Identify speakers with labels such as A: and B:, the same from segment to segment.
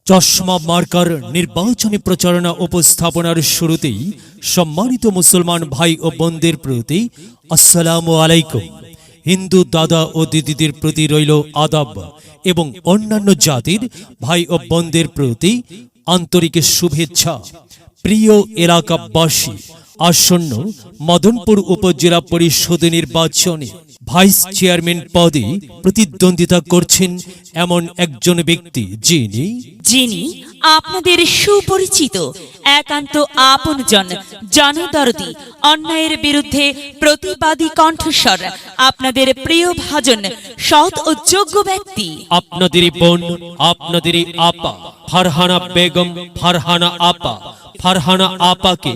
A: চশমা মার্কার নির্বাচনী প্রচারণা উপস্থাপনার শুরুতেই সম্মানিত মুসলমান ভাই ও বোনদের প্রতি আসসালামু আলাইকুম। হিন্দু দাদা ও দিদিদের প্রতি রইল আদাব এবং অন্যান্য জাতির ভাই ও বোনদের প্রতি আন্তরিক শুভেচ্ছা। প্রিয় এলাকাবাসী, আসন্ন মদনপুর উপজেলা পরিষদ নির্বাচনে ভাইস চেয়ারম্যান পদে প্রতিদ্বন্দ্বিতা করছেন এমন একজন ব্যক্তি
B: যিনি আপনাদের সুপরিচিত একান্ত আপনজন, জনদরদি, অন্যায়ের বিরুদ্ধে প্রতিবাদী কণ্ঠস্বর, আপনাদের প্রিয় ভাজন, সৎ ও যোগ্য ব্যক্তি,
A: আপনাদেরই বোন, আপনাদেরই আপা ফারহানা বেগম, ফারহানা আপাকে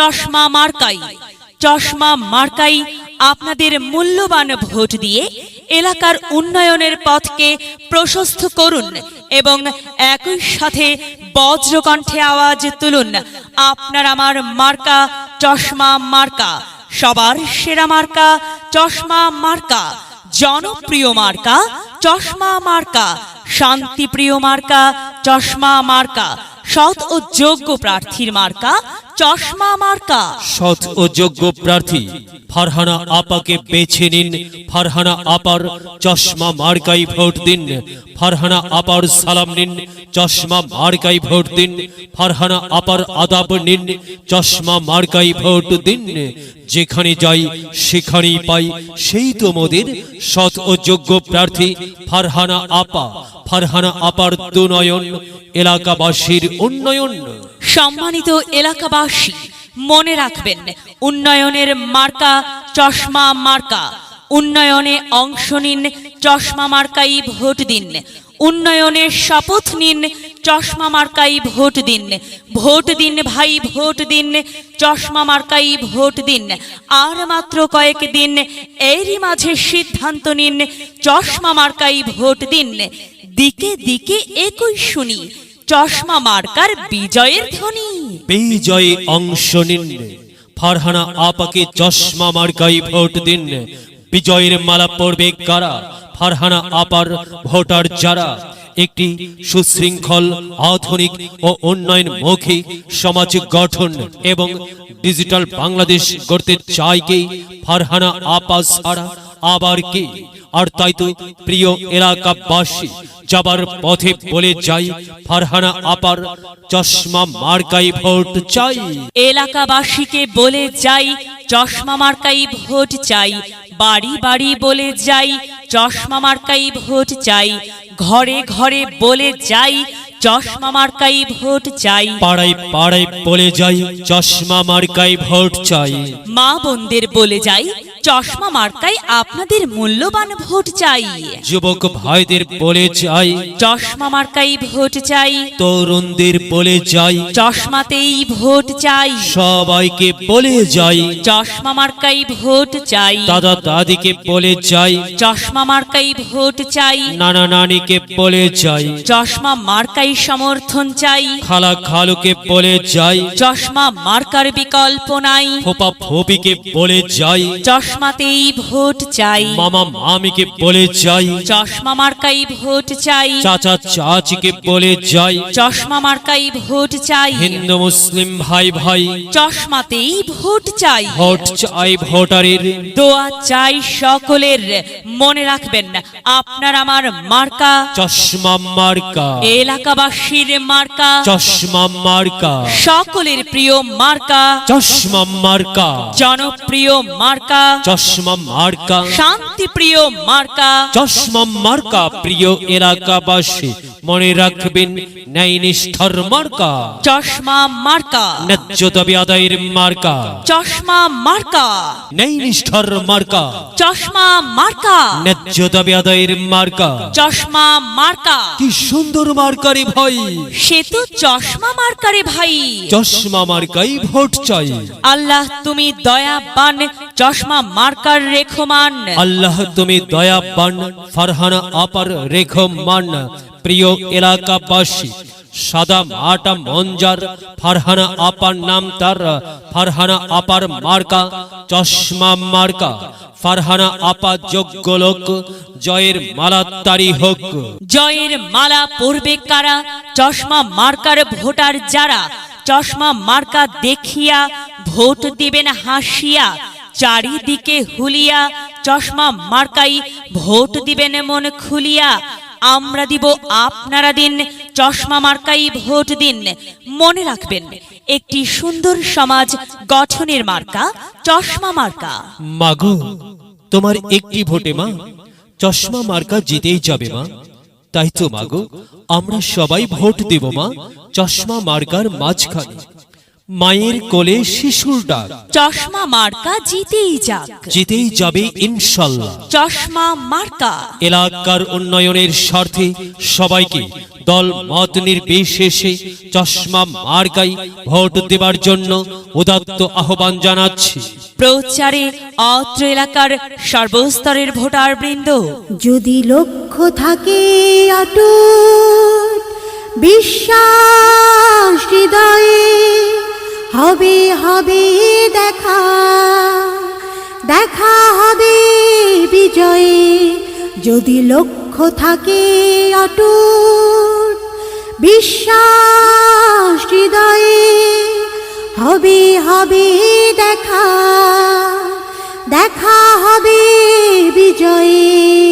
B: চশমা মার্কাই আপনাদের মূল্যবান ভোট দিয়ে এলাকার উন্নয়নের পথকে প্রশস্ত করুন এবং একই সাথে বজ্রকণ্ঠে আওয়াজ তুলুন, আপনার আমার মার্কা চশমা মার্কা, সবার সেরা মার্কা চশমা মার্কা, জনপ্রিয় মার্কা চশমা মার্কা, শান্তিপ্রিয় মার্কা চশমা মার্কা, সৎ ও যোগ্য প্রার্থীর মার্কা চশমা মার্কা।
A: সৎ ও যোগ্য প্রার্থী ফারহানা আপাকে বেছে নিন। ফারহানা আপার চশমা মার্কাই ভোট দিন। ফারহানা আপার সালাম নিন, চশমা মার্কাই ভোট দিন। ফারহানা আপার আদাব নিন, চশমা মার্কাই ভোট দিন। যেখানে যাই সেখানেই পাই সেই তো মোদের সৎ ও যোগ্য প্রার্থী ফারহানা আপা। ফারহানা আপার দুনয়ন, এলাকাবাসীর উন্নয়ন।
B: সম্মানিত এলাকাবাসী, মনে রাখবেন, উন্নয়নের মার্কা চশমা মার্কা। উন্নয়নে অংশ নিন, চশমা মার্কাই ভোট দিন। উন্নয়নের শপথ নিন, চশমা মার্কাই ভোট দিন। ভোট দিন ভাই, ভোট দিন, চশমা মার্কাই ভোট দিন। আর মাত্র কয়েক দিন, এরই মাঝে সিদ্ধান্ত নিন, চশমা মার্কাই ভোট দিন। দিকে দিকে একই শুনি, চশমা মার্কার বিজয়ের ধ্বনি।
A: বিজয়ে অংশ নিন, ফারহানা আপাকে চশমা মার্কাই ভোট দিন। বিজয়ের মালা পড়বে কারা? ফারহানা আপার ভোটার যারা একটি সুশৃঙ্খল, আধুনিক ও উন্নয়নমুখী সমাজ গঠন এবং ডিজিটাল বাংলাদেশ গড়তে চায় কে? ফারহানা আপা ছাড়া আবার কে? আর তাই তো প্রিয় এলাকাবাসী, যাবার পথে বলে যাই, ফারহানা আপার চশমা মার্কাই ভোট চাই।
B: এলাকাবাসীকে বলে যাই, চশমা মার্কাই ভোট চাই। বাড়ি বাড়ি বলে যাই, চশমা মার্কাই ভোট চাই। ঘরে ঘরে বলে যাই, চশমা মার্কাই ভোট চাই।
A: পাড়ায় পাড়ায় বলে যাই, চশমা মার্কাই ভোট চাই।
B: মা বোনদের বলে যাই, চশমা মার্কাই আপনাদের মূল্যবান ভোট চাই।
A: যুবক ভাইদের বলে যাই,
B: চশমা মার্কাই ভোট চাই।
A: তরুণদের বলে যাই,
B: চশমাতেই ভোট চাই।
A: সবাইকে বলে যাই,
B: চশমা মার্কাই ভোট চাই।
A: দাদা দাদিকে বলে যাই,
B: চশমা মার্কাই ভোট চাই।
A: নানা নানিকে বলে যাই,
B: চশমা মার্কাই সমর্থন চাই।
A: খালা খালুকে বলে যাই,
B: চশমা মার্কার বিকল্প নাই।
A: ফোপা ফোপিকে বলে যাই,
B: চশমাতেই ভোট চাই।
A: মামা মামিকে বলে যাই,
B: চশমা মার্কাই ভোট চাই।
A: চাচা চাচিকে বলে যাই,
B: চশমা মার্কাই ভোট চাই।
A: হিন্দু মুসলিম ভাই ভাই
B: চশমাতেই ভোট চাই।
A: ভোট চাই ভোটারের,
B: দোয়া চাই সকলের। মনে রাখবেন, আপনার আমার মার্কা
A: চশমা মার্কা।
B: এলাকাবাসীর মার্কা,
A: চশমা মার্কা।
B: সকলের প্রিয় মার্কা,
A: চশমা মার্কা।
B: জনপ্রিয় মার্কা,
A: চশমা মার্কা।
B: শান্তিপ্রিয় মার্কা,
A: চশমা মার্কা। প্রিয় এলাকাবাসী, মনে রাখবেন, ন্যায় নিষ্ঠার মার্কা।
B: চশমা মার্কা,
A: ন্যায্য দাবি আদায়ের মার্কা।
B: চশমা মার্কা,
A: ন্যায় নিষ্ঠার মার্কা।
B: চশমা মার্কা,
A: ন্যায্য দাবি আদায়ের মার্কা।
B: চশমা মার্কা।
A: কি সুন্দর মার্কারে ভাই,
B: সে তো চশমা মার্কারে ভাই।
A: চশমা মার্কাই ভোট চাই।
B: আল্লাহ তুমি দয়াবান, চশমা মার্কার রেখমান।
A: আল্লাহ তুমি দয়াবান, ফারহানা আপার রেখমান। প্রিয় এলাকাবাসী, সাদা মাটা মঞ্জার, ফারহানা আপার নাম তার, ফারহানা আপার মার্কা চশমা মার্কা, ফারহানা আপা যোগ্য লোক, জয়ের মালা তারি হোক।
B: জয়ের মালা পরবে কারা? চশমা মার্কার ভোটার যারা, চশমা মার্কা দেখিয়া ভোট দিবেন হাসিয়া, চারিদিকে হুলিয়া চশমা মার্কাই ভোট দিবেন মন খুলিয়া। আমরা দিব আপনারা দিন, চশমা মার্কাই ভোট দিন। মনে রাখবেন, একটি সুন্দর সমাজ গঠনের মার্কা চশমা মার্কা।
A: মাগো, তোমার একটি ভোটে মা চশমা মার্কা জিতেই যাবে মা। তাই তো মাগো, আমরা সবাই ভোট দেব মা চশমা মার্কার মাঝখানে। মায়ের কোলে শিশুর ডাক,
B: চশমা মার্কা জিতেই যাক,
A: জিতেই যাবে ইনশাল্লাহ।
B: চশমা মার্কা
A: এলাকার উন্নয়নের স্বার্থে সবাইকে দল মত নির্বিশেষে চশমা মার্কাই ভোট দেবার জন্য উদাত্ত আহ্বান জানাচ্ছি।
B: প্রচারে অত্র এলাকার সর্বস্তরের ভোটার বৃন্দ।
C: যদি লক্ষ্য থাকে অটুট, বিশ্বাস হৃদয়ে, হবে হবে দেখা, দেখা হবে বিজয়ে। যদি লক্ষ্য থাকে অটুট, বিশ্বাস হৃদয়ে, হবে হবে দেখা, দেখা হবে বিজয়ে।